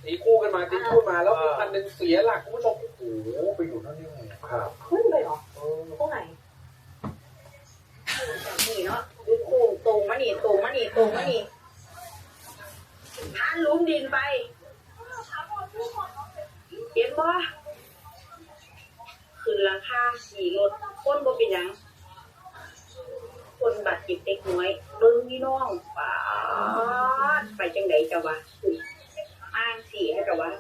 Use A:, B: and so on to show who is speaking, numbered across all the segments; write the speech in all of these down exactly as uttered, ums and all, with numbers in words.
A: ตีคู่กันมาตีคู่มาแล้วมีคันหนึ่งเสียหลักคุณผู้ชมโอ้โหไปอยู่นั่นยังไงครับ
B: ขึ้นไปเหรอตรงไหนนี่เนาะดูโค้งตรงมานี่ตรงมานี่ตรงมานี่ท่านลุ้มดินไปเห็นบ่ขึ้นราคาขี่รถคนบ่เป็นหยังคนบาดเจ็บเล็กน้อยเบิ่งพี่น้องป้าไปจังไดเจ้าวะอ้างสีให้เจ้าวะ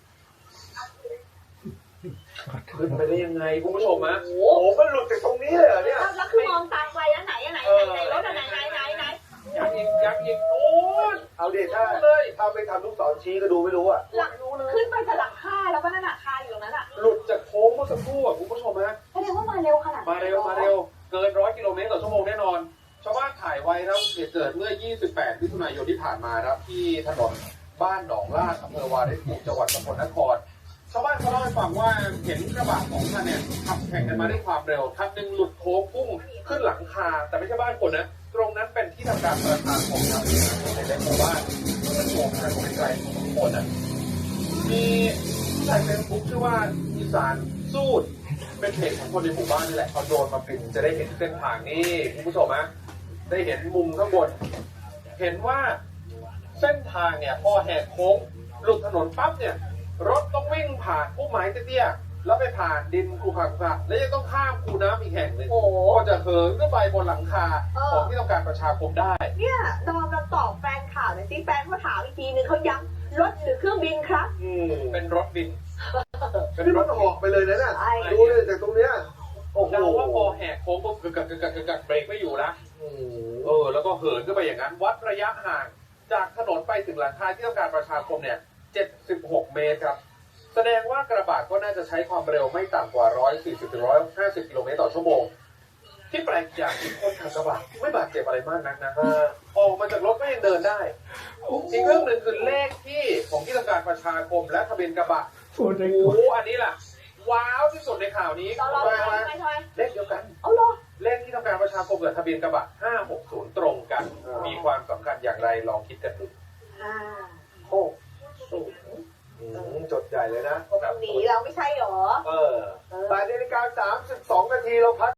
A: ขึ้นไปได้ยังไงคุณผู้ชมฮะ
B: โอ้
A: โอ้มันหลุดจากตรงนี้เลยเหรอเนี่ย
B: แล้วคือมองตามไปอันไหนอันไหนไหนรถอันไหนไหนไหนไหน
A: ยังอีกยังอีกโอ้ย
C: เอาเด็ดถ้าถ้าไปทำลูกศรชี้ก็ดูไม่รู้อ่ะ
B: หลังขึ้นไปจะหลังคาแล้วก็นั่นอะคาอยู่ตรงนั้นอะ
A: หลุดจากโค้งเมื่อสักครู่อ่ะคุณผู้ชมฮะ
B: แสดงว่ามาเร็วขนาด
A: มาเร็วมาเร็วเกินร้อยกิโลเมตรต่อชั่วโมงแน่นอนชาวบ้านถ่ายไว้ครับเหตุเกิดเมื่อยี่สิบแปดมิถุนายนที่ผ่านมาครับที่ถนนบ้านหนองลาดอำเภอวารินภูมิจังหวัดสกลนครชาวบ้านเขาเล่าให้ฟังว่าเห็นกระบะของท่านเนี่ยขับแข่งกันมาด้วยความเร็วคันหนึ่งหลุดโค้งพุ่งขึ้นหลังคาแต่ไม่ใช่บ้านคนนะตรงนั้นเป็นที่ทำการประธานของชาวบ้านในหมู่บ้านมันโงงกันไกลๆทุกคนอ่ะมีผู้ใช้เฟซบุ๊กชื่อว่าอีสานสู้เป็นเพจของคนในหมู่บ้านนี่แหละพอโดนมาปิดจะได้เห็นเส้นทางนี่คุณผู้ชมฮะได้เห็นมุมข้างบนเห็นว่าเส้นทางเนี่ยพอแหกโค้งหลุดถนนปั๊บเนี่ยรถต้องวิ่งผ่านพุ่มไม้เตี้ยๆแล้วไปผ่านดินคูขระๆแล้วยังต้องข้ามคูน้ำอีกแห่งหนึ่งก็จะเหินขึ้นไปบนหลังคาของที่ต้องการประชาคมได้
B: เนี่ยดอมเราตอบแฟนข่าวหน่อยสิแฟนเขาถามอีกทีนึงเขาย้ำรถหรือเครื่องบินครับ
A: อืมเป็นรถบิน
C: นี่มันออกไปเลยนะเนี่ยดูเลยจากตรงเนี้ยโอ้โห
A: เดาว่าพอแหกโค้งปุ๊บกึกกักกึกกักกึกกักเบรกไม่อยู่นะเออแล้วก็เหินขึ้นไปอย่างนั้นวัดระยะห่างจากถนนไปถึงหลังคาที่ต้องการประชาคมเนี่ยเจ็ดสิบหกเมตรครับแสดงว่ากระบะก็น่าจะใช้ความเร็วไม่ต่ำกว่าหนึ่งร้อยสี่สิบถึงหนึ่งร้อยห้าสิบกิโลเมตรต่อชั่วโมงที่แปลกอย่างที่คนขับกระบะไม่บาดเจ็บอะไรมากนักนะออกมาจากรถก็ยังเดินได้อีกเรื่องหนึ่งคือเลขที่ของที่ต้องการประชาคมและทะเบียนกระบะโอ้โหอันนี้ล่ะว้าวที่สุดในข่าวนี้เลขเดียวกัน
B: เอาเหรอ
A: เลขที่ต้องการประชาคมกับทะเบียนกระบะห้าหกศูนย์ตรงกันมีความสำคัญอย่างไรลองคิดกันดู
B: ห้า
C: หกศูนย์จดใหญ่เลยนะ
B: หนีเราไม่ใช่หรอ
C: เออแปดนาฬิกาสามสิบสองนาทีเราพัก